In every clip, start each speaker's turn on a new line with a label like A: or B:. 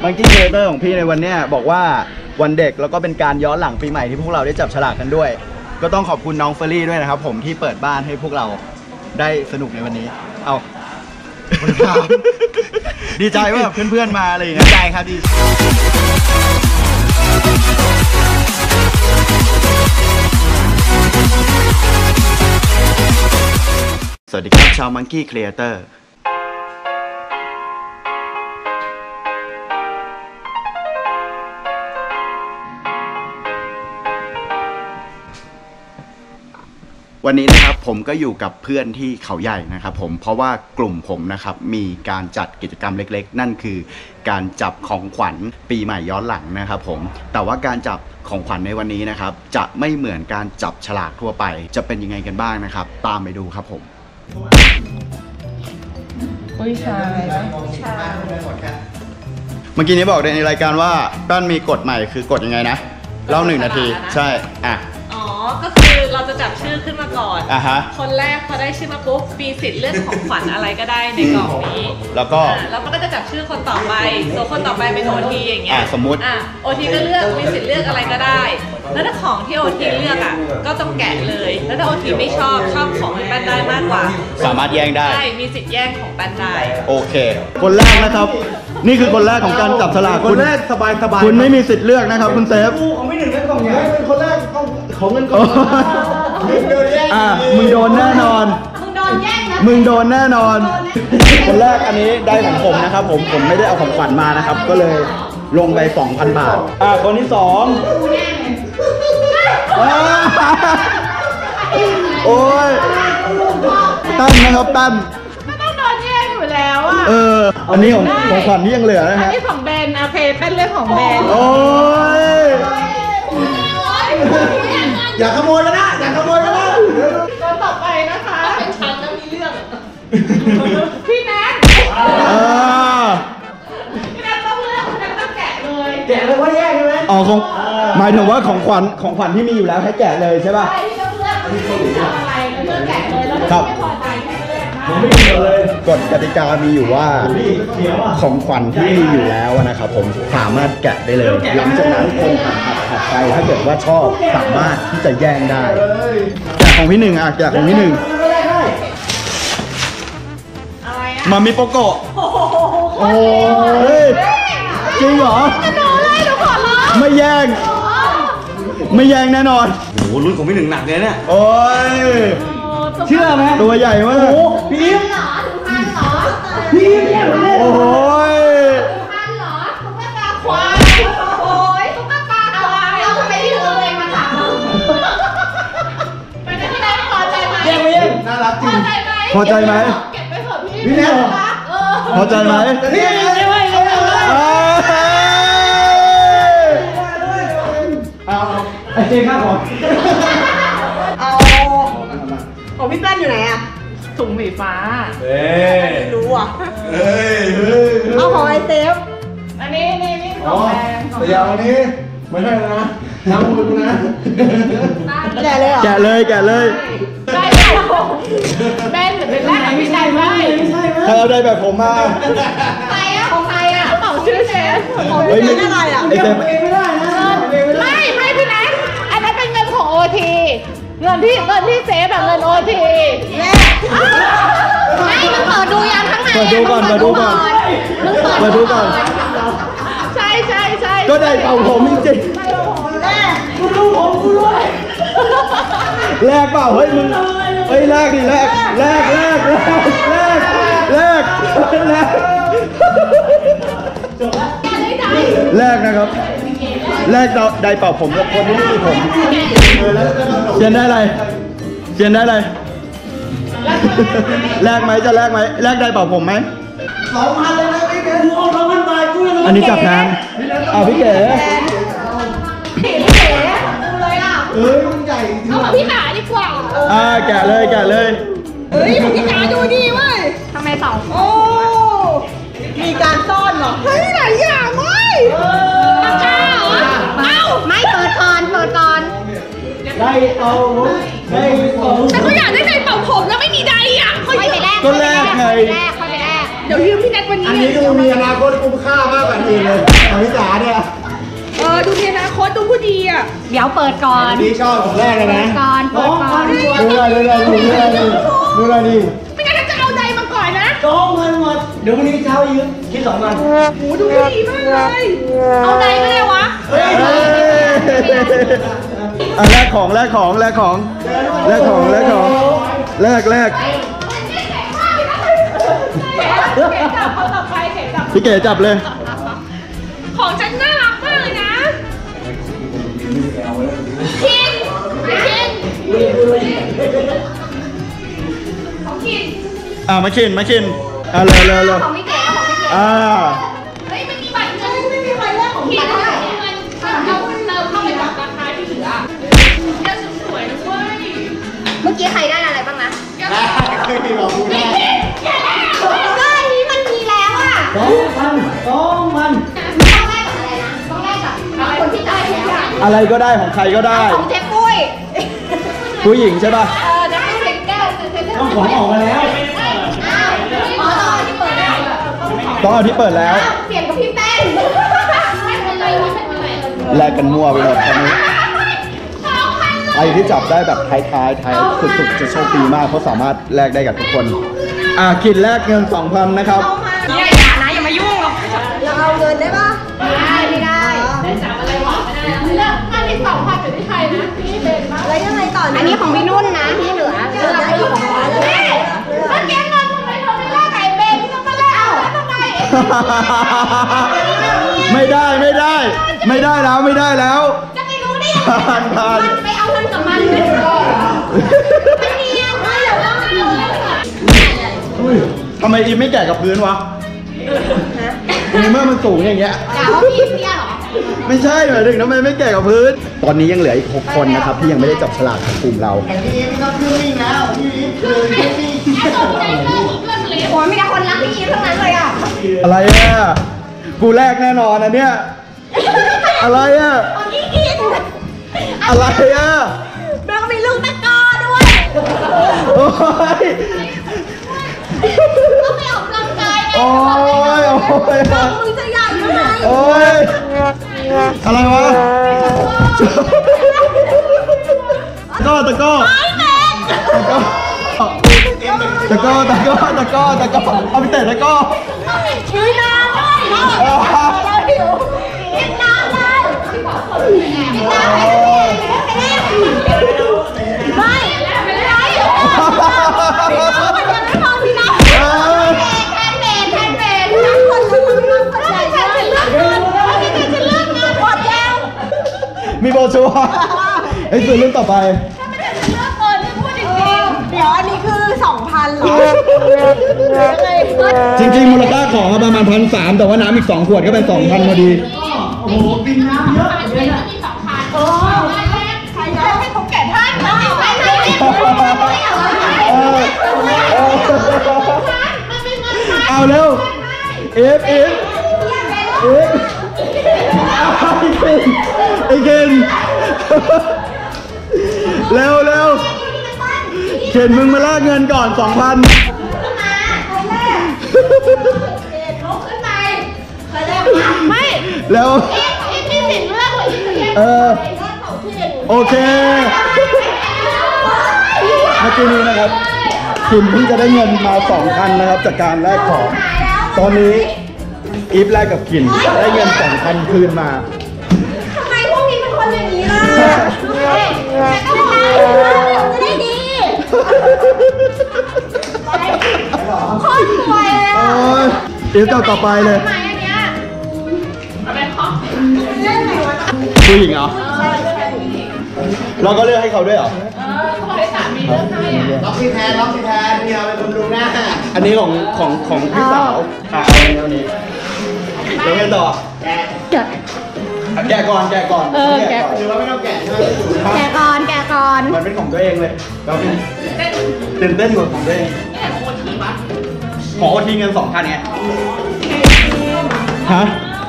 A: มังกี้ครีเอเตอร์ของพี่ในวันนี้บอกว่าวันเด็กแล้วก็เป็นการย้อนหลังปีใหม่ที่พวกเราได้จับฉลากกันด้วยก็ต้องขอบคุณน้องเฟอร์รี่ด้วยนะครับผมที่เปิดบ้านให้พวกเราได้สนุกในวันนี้เอาดีใจว่าเพื่อนๆมาอะไรอย่างเงี้ยดีใจครับดีสวัสดีครับชาวมังกี้ครีเอเตอร์วันนี้นะครับผมก็อยู่กับเพื่อนที่เขาใหญ่นะครับผมเพราะว่ากลุ่มผมนะครับมีการจัดกิจกรรมเล็กๆนั่นคือการจับของขวัญปีใหม่ย้อนหลังนะครับผมแต่ว่าการจับของขวัญในวันนี้นะครับจะไม่เหมือนการจับฉลากทั่วไปจะเป็นยังไงกันบ้างนะครับตามไปดูครับผม
B: ผู้ชาย
A: เมื่อกี้นี้บอกในรายการว่าต้นมีกฎใหม่คือกฎยังไงนะเล่า1 นาทีใช่อ่ะ
B: อ๋อก็คือเราจะจับชื่อขึ้นมาก่อนคนแรกพอได้ชื่อมาปุ๊บมีสิทธิ์เลือกของขวัญอะไรก็ได้ในกล่องนี้แล้วมันก็จะจับชื่อคนต่อไปตัวคนต่อไปเป็น OT อย่างเงี้ย
A: สมมติ
B: OT ก็เลือกมีสิทธิ์เลือกอะไรก็ได้แล้วถ้าของที่ OT เลือกก็ต้องแกะเลยแล้วถ้า OT ไม่ชอบของที่แป้นได้มากกว่า
A: สามารถแย่งได้
B: ใช่มีสิทธิ์แย่งของแป้นได้
A: โอเคคนแรกนะครับนี่คือคนแรกของการจับฉลากคนแรกสบายคุณไม่มีสิทธิ์เลือกนะครับคุณเซฟ
C: ของไม่หนึ่งเล่นกล่องใหญ่เป็นคนแรกต้องของเงินกล่อง
A: มึงโดนแน่นอนมึงโดนแน่นอนคนแรกอันนี้ได้ของผมนะครับผมไม่ได้เอาของขวัญมานะครับก็เลยลงไป 2,000 บาทคนที่2โอ้ยตั้นนะครับตั้น
B: ต้องโดนแย่งอยู่แล้ว
A: อันนี้ของขวัญที่ยังเหลือนะฮะ
B: อันนี้ของแบนโอเคเป็นเรื่องของแบน
A: โอ้ย
C: อย่าขโมยกันนะอย่าขโมยกันนะ
B: คนต่อไปนะคะเป็นฉันแล้วมีเรื่องพี่แนทพี่แนทต้องเลือกพี่แนทต้องแกะ
C: เลยว่าแย่ใช่ไหม
A: หมายถึงว่าของขวัญที่มีอยู่แล้วให้แกะเลยใช่ป่ะ
B: ใช่ที่ต้องเลือกอะไรเลือกแกะเลยแล้วไม่พอใจให้เลือกนะ
C: ผมไม่เกี่ยวเลย
A: กฎกติกามีอยู่ว่าของขวัญที่มีอยู่แล้วนะครับผมสามารถแกะได้เลยหลังจากนั้นคงถัดไปถ้าเกิดว่าชอบสามารถที่จะแย่งได้แกะของพี่หนึ่งแกะของพี่หนึ่งมามิโปโกะโอ้ยจริงเหรอไม่แย่งแน่นอน
C: โอ้โหรุ่นของพี่หนึ่งหนักเลยเนี่ย
A: โอ้ย
C: เชื่อไหม
A: ตัวใหญ่มาก
C: โอ้พี่อิ๊มพี่อิ๊มเนี่ย
A: โอ้ย
B: ตุ๊กตาควายโอ้ยตุ๊กตาควายเราทำไมที่เราเองมาถามเป็นที่ไหนพอใจไหม
C: น่ารักจริง
A: พอใจไหม
B: เก็บไปเถอะพี่
C: พี่แนท
A: พอใจไหม
C: พี่ไอเจข้าก่อน
B: เอาของพี่แป้นอยู่ไหนอะถุงสีฟ้าไม่รู้อ่ะเอาของไอเซฟอันนี้ของแดง
C: แต่ยาวอันนี้ไม่ใช่นะน้ำมือนะ
B: แกะเลยเหรอ
A: แกะเลย
B: ได้แป้นหรือเป็นแรกกับพี่ได้ไหม
A: ใครเอาได้แบบผมมา
B: ใครอะของใครอะเป่าชื่อเชฟของพี่แป้นอะไรอะ
C: เก็บเองไม่ได้นะ
B: ไม่พี่แนทอันนั้นเป็นเงินของ OT เงินที่เซฟแบบเงิน OT ไม่มึงเปิดดูยังข้างใน
A: เปิดดูก่อน
B: ใช่
A: ก็ได้เป่าผมจริง
C: แม่กูดูผมกูด้วย
A: แลกเปล่าเฮ้ยมึงแลกดิแลกนะครับแลกได้เป่าผมกับคนที่ไม่มีผมเชียนได้อะไรแลกไหมจะแลกไหมแลกได้เป่าผมไหม
C: 2,000เลยนะพี่เก๋กูเอา2,000 บาทกูยัง
A: อันนี้จับแทนพี่เก๋
C: มันใหญ่
B: เอาของพี่หนาดีกว่า
A: แกะเลย
B: เฮ้ยของพี่หนาดูดีเว้ยทำไม2โอ้มีการซ่อนเหรอเฮ้ยหลายอย่างเว้ยปากกาเหรอไม่เปิดก่อน
C: ได้เอา
B: แต่ก็อยากได้ใจเป่าผมแล้วไม่มีใดอ่ะค่อยไปแลก
A: ก็แลกไง
B: เดี๋ยวยืมพี่แนทวันนี้
C: อันนี้ดูมีอนาคตคุ้มค่ามากกว่านี้เลย
B: ดีอ่ะ
D: เดี๋ยวเปิดก่อน
C: นี่ชอบของแรกเลยนะ
D: ก่อนเปิดก่อน
C: ดูอะไรดิ
B: ไม่งั้นจะเอาใดมาก่อนนะ
E: จองเงินหมดเดี๋ยววันนี้เช้ายืมคิด2 วัน
B: โหดูดีมากเลย
D: เอาใดก็ได้วะ
A: แลกของแลกของแลกของแลกของแลกของแลกแลก
B: เก๋จับเขาต่อไปเก๋จับ
A: พี่เก๋จับเลย
B: ของฉันน่ารักมากเลยนะคินของคิน
A: มาชินเร็วเร็วเร็ว
D: ของพี่เก๋ของพี่เก๋
B: เฮ้ยไม่มีบัตรเงินไม่มีใครเลือกของคินได้เงินเอาเติมเข้าไปกับราคาที่เหลือเลือกสวยๆนะเว้ย
D: เมื่อกี้ใครได้อะไรบ้างนะ
C: คือที่เราพูดได้
D: ก็อันนี้มันมีแล้วอ่ะ
E: 2 วัน
D: ต้องแลกกับอะไรนะต้องแลกกับคนที่จ่ายแล้วอะ
A: อะไรก็ได้ของใครก็ได้
D: ของเจ๊ปุ้ย
A: ผู้หญิงใช่ป่ะ
D: เจ๊ปุ้ยเป็นแก้วคือเจ๊ปุ้ย
E: ต้องของออกมาแล้ว
D: อ้าวอ๋อตอนที่เปิดได้
A: ต้องเอาที่เปิดแล้ว
D: เปลี่ยนกับพี่แป้งไม่เป็นไรไม่เป็นไร
A: แลกกันมั่วไปหมดตอนนี้ใครที่จับได้แบบท้ายสุดๆจะโชคดีมากเพราะสามารถแลกได้กับทุกคนคิดแลกเงิน 2,000 นะครับ
B: อย่านะอย่ามายุ่งหรอก
D: เราเอาเงินได้ปะไม่ได้
B: ได้จับอะไรหวานไม่ได้เลือกอันที่2,000อยู่ที่ใครนะพี่เบนมาก
D: แล้วยังไงต่ออันนี้ของพี่นุ่นนะที่เหลือเราไม่อยู่ของเราเลย
B: เมื่อกี้เงินทำไมเธอไม่แลกไก่เบนทำไมแลกเอาแล้วทำไม
A: ไม่ได้แล้วไม่ได้แล้ว
B: จะไปรู้ได้ยัง
A: ผ่านผ่าน
D: ไปเอาเงินกับมันเลยไม่เนียนไม่เดี๋ยวต้องเอา
A: ทำไมอีฟไม่แกะกับพื้นวะในเมื่อมันสูงอย่างเงี้ย
D: ด่าว่าพี่เตี้ยเหรอ
A: ไม่ใช่หมายถึงทำไมไม่แกะกับพื้น ตอนนี้ยังเหลืออีก 6 คนนะครับที่ยังไม่ได้จับฉลากของกลุ่มเรา
C: พี่ไม่ต้องขึ้นนิ่งแล้วพี่คือขึ้นนิ่ง
D: โอ้ยมีแต่คนรักพี่อีฟทั้งนั้นเลยอ่ะ
A: อะไรอ่ะ กูแรกแน่นอนนะเนี่ย อะไรอ่ะ
D: พี่กิน
A: อะไรอ่ะ
D: แล้วก็มีลูกตะกอด้วย
A: โอ้ย
D: ก็ไปออกกำลังกายไง
A: โอ้ย โอ้ย
D: มึงจะใหญ่เท่าไหร่
A: โอ้ย อะไรวะตะก้อเอาไปเตะตะก้อ
D: ชื่อน้ำเลยเราหิวกินน้ำเลยกินน้ำไม่ไม่ไรมันยังไม่พอพี่น้ำแทนเบนทั้งคนทั้งคนใหญ่ฉันเลือกเงินฉันเลือกเงินหมดแล้ว
A: มีโบชัวไอ้ส่วนเรื่องต่อไป
B: เดี๋ยวอันนี้คือ 2,000เหรอ
A: จริงๆมูลค่าของประมาณ1,300แต่ว่าน้ำอีก2 ขวดก็เป็น 2,000พอดี
E: โอ้โหกินน้ำเยอะเลยนะ
B: ใครจะให้เขาแกะท่านไม่ไม่ไม่
A: เอาเร็วเอฟไอ้เกนเร็วเข็นมึงมาลากเงินก่อน 2,000
B: ไม่
A: แล้วโอเคเมื่อกี้นี้นะครับคิมเพิ่งจะได้เงินมา 2,000 นะครับจากการแลกของ ตอนนี้อีฟแลกกับคิมได้เงิน 2,000 คืนมา
D: ทำไมพวกนี้เป็นคนอย่างนี้ล่ะจะได้ดีโคตรสวยเลย
A: โอ้ยอีฟต่อไปเลย
D: ทำไมอันเนี้ย
A: ผู้หญิงเหรอ เราก็เลือกให้เขาด้วยเหรอ
C: ล็อกที่แทนพี่เอาไปบำรุงหน้า
A: อันนี้ของพี่สาวเอาอันนี้แล้วไงต่อ แกะก่อน
D: แกะ
C: หรือว่าไม่ต้องแกะใช่ไหม
D: แกะก่อน
A: มันเป็นของตัวเองเลยเราตื่นเต้นกว่าของตัวเองหมอโอทีเงิน 2,000ไงฮะ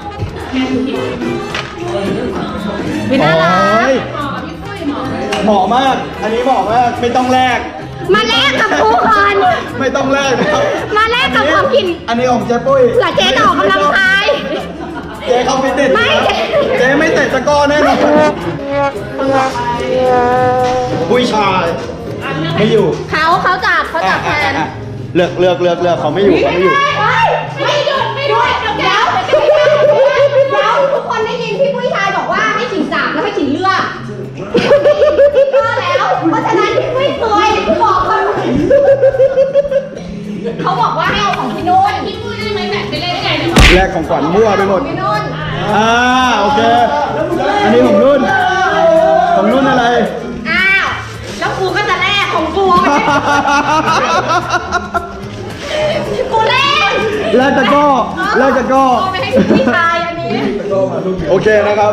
D: วิน่ารัก
A: เหมาะมาก อันนี้เหมาะมาก ไม่ต้องแลก
D: มาแลกกับครูก่อน
A: ไม่ต้องแลกนะครับ
D: มาแลกกับความกิน
A: อันนี้ของเจ๊ปุ้ย
D: เผื่อเจ๊จะออกกำลังกาย
A: เจ๊เขาไม่ติด
D: ไม่
A: เจ๊ไม่เตะตะกร้อแน่นอนผู้ชายไม่อยู่
D: เขาจับแทน
A: เลือกเขาไม่อยู่
D: ไม่หยุดไม่ด้วยเดี๋ยวทุกคนได้ยินพี่ผู้ชายบอกว่าให้ขิงจับแล้วให้ขิงเลือกแล้วเพราะฉะนั้นพี่ผู้ซวยบอกเขาบอกว่าให้เอาของพี่นุ่นพี่ผู้ได้ไหมแบบไปเล่นได้ไงเนี่ย
A: แลกของขวัญมั่วไปหมด
D: พี่นุ่น
A: โอเค อันนี้ของนุ่นอะไร
D: อ้าวแล้วกูก็จะแลกของกูกูเล่น
A: แลกตะก้อ
D: เอาไปให้พี่ชายอันนี้
A: โอเคนะครับ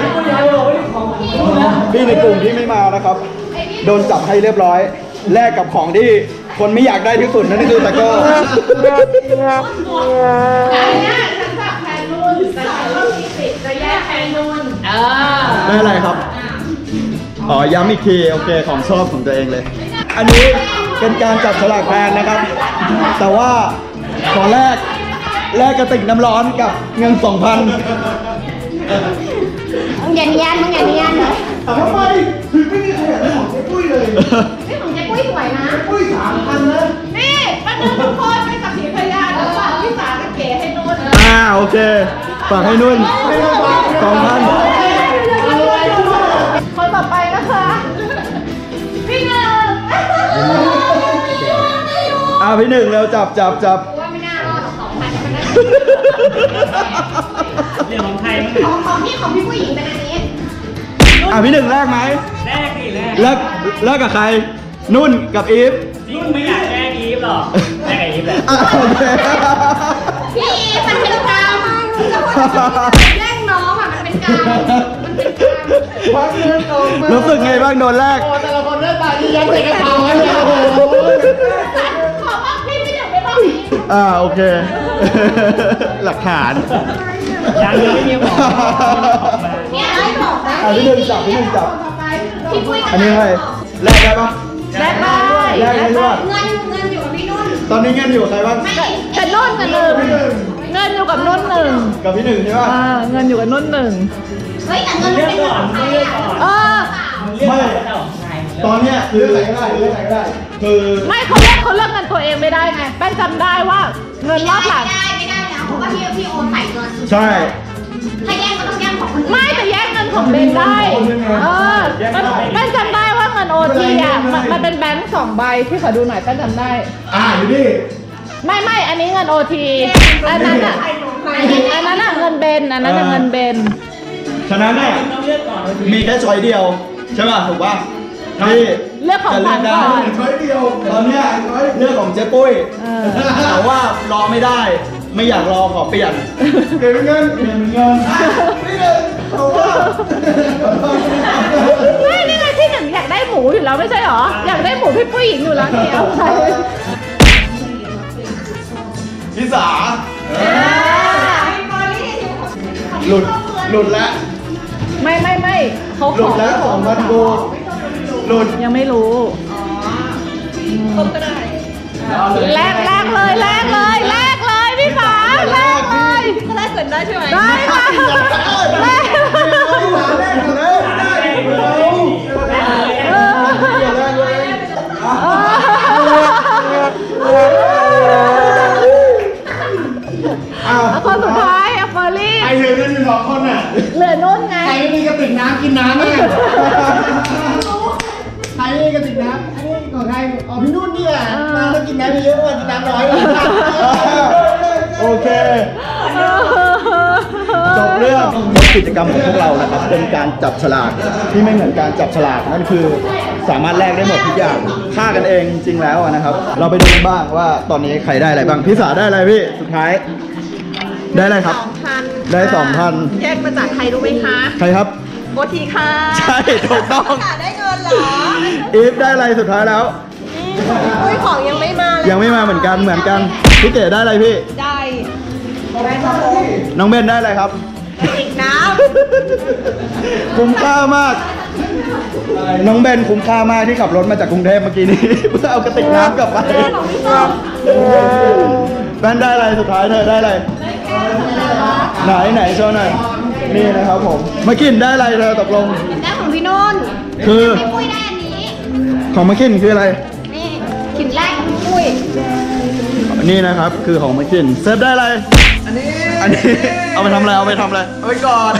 A: พี่ในกลุ่มที่ไม่มานะครับ โดนจับให้เรียบร้อย แลกกับของที่คนไม่อยากได้ที่สุดนั่นคือตะก้อ
D: อันนี้ฉันจับแทนนุ่นแต่ฉันก็มีสิทธิ์จะแยกแทนนุ่น
A: ได้อะไรครับ ย้ำอีกที โอเค ของชอบของตัวเองเลย อันนี้เป็นการจับฉลากแทนนะครับ แต่ว่าขอแลกกระติกน้ำร้อนกับเงิน 2,000
D: มึงอย่าเนียน
C: ทำไมถึงไม่มีใครอยากได้ของเจ๊ปุ้ยเลย
D: นี่ของเจ๊ปุ้ยสวยนะ
C: ปุ้ย3,000นะ
B: นี่ป้านุ่นทุกคนเป็นสักขีพยานแล้วฝากพี่สากับเก๋ให้นุ่น
A: โอเค ฝากให้นุ่น 2,000
B: คนต่อไปนะคะ พี่หนึ่ง
A: พี่หนึ่งเร็วจับ
D: ว่าไม่น่ารอด2,000มันได้
E: เรื่องของไทยมั้ง
D: ของพี่ผู้หญิงเป็นอันนี้
A: พี่หนึ่งแลกไหม
E: แรกดิแรก
A: แลกกับใคร นุ่นกับอีฟ
E: นี่ไม่อยากแรกอีฟหรอกแรกอีฟแหละ
A: โอเค
D: พี่มันเป็นกาวแย่งน้องอ่ะมันเป็นกาว
C: ควักเงินออกมา
A: รู้สึกไงบ้างโดนแลก
C: แต่ละคนได้ตาดียันใส่กระเป๋าเนี่ยโอ้โห
D: ขอบอกพี่ไม่เดี๋ยวไปบอกพี่
A: โอเค หลักฐาน
E: ยังไม่มีของ
D: เนี่ยไอ้บอกนะ
A: พี่หนึ่งจับ
D: พี่ปุ้ย
A: อันนี้ให้แลกได้ปะ
B: แลกได้
A: แลกได้ด้วย
D: เงินอยู่กับพี่นุ่น
A: ตอนนี้เงินอยู่กับใครบ้าง
B: แต่นุ่นกับหนึ่งเงินอยู่กับนุ่นหนึ่ง
A: กับพี่หนึ่งใช่ปะ
B: เงินอยู่กับนุ่นหนึ่ง
D: เฮ้ยแต่เงินมันเป็นเงินของใครอ่ะ
A: ไม่ ตอนเนี้ยคือคือ
B: ไม่เขาเลือกเงินตัวเองไม่ได้ไงแป้งจำได้ว่าเงินรอบหลัง
D: ไม่ได้แล้วเพราะว่าพี่โอนใส่เงิน
A: ใช่
D: ถ้าแย่งก็ต้องแย่งของคนอื่น
B: ไม่แต่แยกเงินของเบนได้แป้งจำได้ว่าเงินโอทีอ่ะมันเป็นแบงค์2 ใบที่ขอดูหน่อยแป้งจำได้
C: อยู่นี่
B: ไม่อันนี้เงินโอทีอันนั้นอ่ะเงินเบนอันนั้นเงินเบน
A: ฉะนั้นเนี่ย
E: ต้องเลือกก่อน
A: มีแค่ช้อยเดียว ใช่ป่ะ ถูกป่ะที่
B: เลือกของขวัญก่อน
C: ช้อยเดียว
A: ตอนเนี้ยเรื่องของเจ๊ปุ้ยแต่ว่ารอไม่ได้ ไม่อยากรอขอเปลี่ยน
C: เก็บเงินพี่หนึ่งเอาว่า
B: ไม่นี่ไงที่หนึ่งอยากได้หมูอยู่แล้วไม่ใช่หรออยากได้หมูพี่ผู้หญิงอยู่แล้วนี่เอาไป
A: พี่สาหลุดแล้ว
B: ไม่เขา
A: หลุดแล้ว2,000 กูหลุด
B: ยังไม่รู้แลกเลยพี่ฟ้าแลกเลยก็แลกเกินได้ใช่ไหมได้ค่ะแลก คนสุดท้ายเฟอร์รี่
C: ใครเหลือกันอยู่2 คนน่ะ
B: เหลือนุ่นไง
C: ใครไม่มีกระติกน้ำกินน้ำเนี่ยใครไม่มีกระติกน้ำอันนี้ของใครพี่นุ่นนี่แหละน้ำต้องกินน้ำเยอะกว่ากินน้ำน้อย
A: โอเคจบเรื่องกิจกรรมของพวกเรานะครับเป็นการจับฉลากที่ไม่เหมือนการจับฉลากนั่นคือสามารถแลกได้หมดทุกอย่างฆ่ากันเองจริงๆแล้วนะครับ เราไปดูกันบ้างว่าตอนนี้ใครได้อะไรบ้างพี่สาได้อะไรพี่สุดท้ายได้อะไรครับได้ 2,000
B: แยกมาจากใครรู้ไหมคะ
A: ใครครับ
B: โบทีค่ะ
A: ใช่ถูกต้อง
B: ได้เงินเหรอ
A: อีฟได้อะไรสุดท้ายแล้ว
B: อุ้ยของยังไม่มาเลย
A: ยังไม่มาเหมือนกันพี่เก๋ได้อะไรพี่
B: ได้
A: น้องเบนได้อะไรครับ
B: อีกน้
A: คุ้มค่ามาก น้องเบนคุ้มค่ามากที่ขับรถมาจากกรุงเทพเมื่อกี้นี้ เพื่อเอากระติกน้ำกลับไปแบนได้อะไรสุดท้ายเธอได้อะไรไหนโชว์หน่อยนี่นะครับผมมากินได้อะไรเธอตกลง
D: ได้ของของพี่นุ่น
A: คือ
D: พี่ปุ้ยได้อันนี้
A: ของมาคินคืออะไร
D: นี่ขินแรกของพี่ปุ้ย
A: นี่นะครับคือของมาคินเซฟได้อะไร อันนี้เอาไปทำอะไรเอาไปก่อน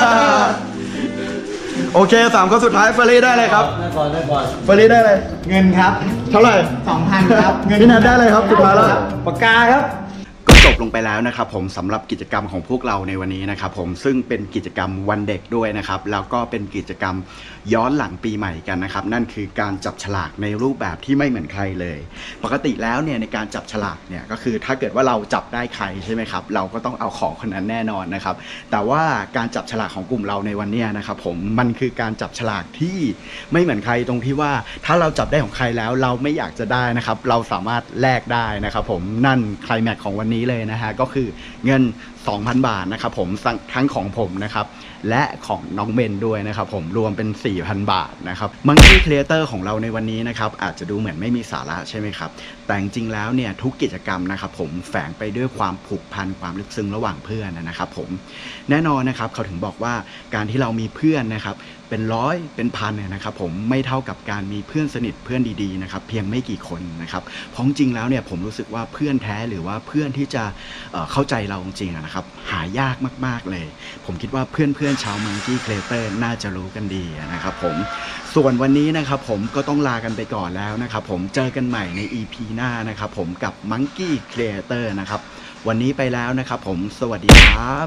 A: โอเค3ข้อสุดท้ายเฟรรี่ได้เลยครับได้ก่อนเฟรรี่ได้เลย
C: เงินครับ
A: เท่าไหร่
C: 2,000 ครับ
A: พี่นัทได้เลยครับสุดท้ายแล้ว
C: ปากกาครับ
A: ก็จบลงไปแล้วนะครับผมสำหรับกิจกรรมของพวกเราในวันนี้นะครับผมซึ่งเป็นกิจกรรมวันเด็กด้วยนะครับแล้วก็เป็นกิจกรรมย้อนหลังปีใหม่กันนะครับนั่นคือการจับฉลากในรูปแบบที่ไม่เหมือนใครเลยปกติแล้วเนี่ยในการจับฉลากเนี่ยก็คือถ้าเกิดว่าเราจับได้ใครใช่ไหมครับเราก็ต้องเอาของคนนั้นแน่นอนนะครับแต่ว่าการจับฉลากของกลุ่มเราในวันนี้นะครับผมมันคือการจับฉลากที่ไม่เหมือนใครตรงที่ว่าถ้าเราจับได้ของใครแล้วเราไม่อยากจะได้นะครับเราสามารถแลกได้นะครับผมนั่นไคลแม็กซ์ของวันนี้เลยนะฮะก็คือเงิน 2,000 บาทนะครับผมทั้งของผมนะครับและของน้องเบนด้วยนะครับผมรวมเป็น 4,000 บาทนะครับ Monkey Creator ของเราในวันนี้นะครับอาจจะดูเหมือนไม่มีสาระใช่ไหมครับแต่จริงๆแล้วเนี่ยทุกกิจกรรมนะครับผมแฝงไปด้วยความผูกพันความลึกซึ้งระหว่างเพื่อนนะครับผมแน่นอนนะครับเขาถึงบอกว่าการที่เรามีเพื่อนนะครับเป็นร้อยเป็นพันเนี่ยนะครับผมไม่เท่ากับการมีเพื่อนสนิทเพื่อนดีๆนะครับเพียงไม่กี่คนนะครับเพราะจริงแล้วเนี่ยผมรู้สึกว่าเพื่อนแท้หรือว่าเพื่อนที่จะเข้าใจเราจริงๆนะครับหายากมากๆเลยผมคิดว่าเพื่อนๆชาว Monkey Creator น่าจะรู้กันดีนะครับผมส่วนวันนี้นะครับผมก็ต้องลากันไปก่อนแล้วนะครับผมเจอกันใหม่ใน EP หน้านะครับผมกับ Monkey Creator นะครับวันนี้ไปแล้วนะครับผมสวัสดีครับ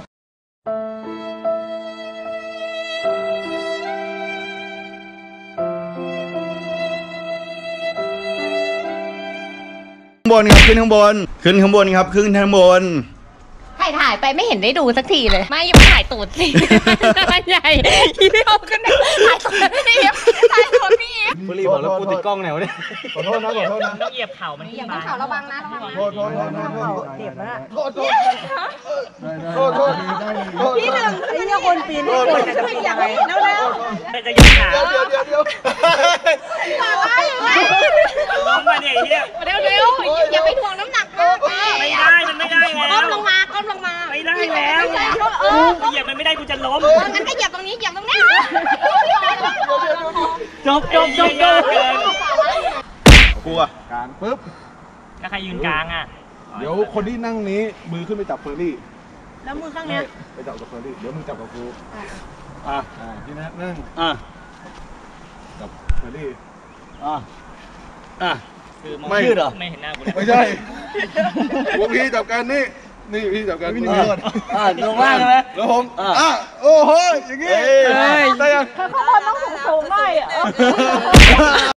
A: ข้างบนครับขึ้นข้างบนครับขึ้นข้างบน
D: ถ่ายไปไม่เห็นได้ดูสักทีเลยไม่อย่ามาถ่ายตูดสิมันใหญ่พี่เดียวกันถ่ายตูดพี่เอฟถ่ายตูดพี่เอฟ
E: บุรีบอกแล้วกูติดกล้องไหนวะเนี่ย
C: ขอโทษนะ
E: ต้องเหยียบเข่ามัน
D: อย่าต้องเข่าระวังนะระวังนะ
C: โทษเจ็บนะโทษ
B: พี่หนึ่งไอ้เนี่ยคนปีนให้คนจะไม่อยากให้แล้ว
E: จะเหยียบขา
C: เดี๋ยว
E: ล้มมาเนี่ยเฮีย
D: เร็วอย่าไปถ่วงน้ำหนักมาก
E: ไม่ได้มันไม่ได้แล้ว
D: ก้มลงมา
E: ไม่ได้แล้วเหยียบมันไม่ได้กูจะล้ม
D: งั้นก็เหยียบตรงนี้เหยียบตรงนี้
E: จบเกิน
A: กลัว
C: กลางปึ๊บ
E: ถ้าใครยืนกลางอ่ะ
C: เดี๋ยวคนที่นั่งนี้มือขึ้นไปจับเฟอร์รี่
B: แล้วมือข้างเนี้ย
C: ไปจับกับเฟอร์รี่เดี๋ยวมึงจับกับกูพี่นัทนั่งจับเฟอร์รี่
E: คือมองชื่อเหรอไม่เห็นหน้ากูเลย
C: ไม่ใช่พวกพี่จับกันนี่พี่จับกันพี่หนึ่ง
E: ลงล่างใช่ไหม
C: แล้วผมโอ้โหอย่างงี้ได้ยัง
B: ข้างบนต้องสูงๆหน่อย